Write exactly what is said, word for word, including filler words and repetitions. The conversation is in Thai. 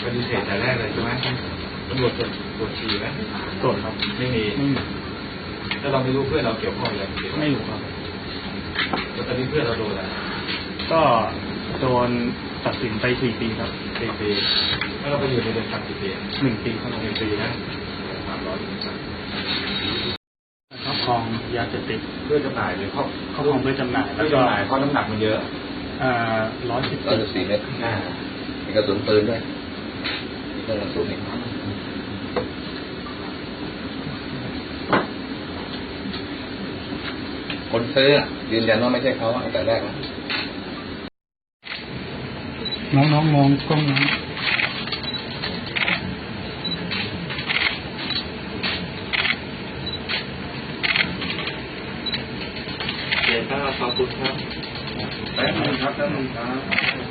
ฏิเสธแต่แรกเลยใช่ไหมตำรวจตรวจตรวจฉี่ไหมตรวจครับไม่มีไม่มีถ้าเราไม่รู้เพื่อนเราเกี่ยวข้องอะไรไม่รู้ครับแล้วตอนนี้เพื่อนเราโดนอะไรก็โดนตัดสินไปสี่ปีครับสี่ปีแล้วเราไปอยู่ในเรือนจำกี่ปีหนึ่งปีครับหนึ่งปีนะสามร้อยครอบครองยาเสพติดเพื่อจำหน่ายหรือครอบครอบครองเพื่อจำหน่ายแล้วก็จำหน่ายเพราะน้ำหนักมันเยอะอ่าร้อยสิบร้อยสิบสี่เมตรอ่ามีกระสุนปืนด้วยมีกระสุนอีกคนซื้อยืนยันว่าไม่ใช่เขาตั้งแต่แรกนะน้องน้องมองกล้องน้องเดี๋ยวถ้าขอบคุณครับแป๊บนึงครับแป๊บนึงครับ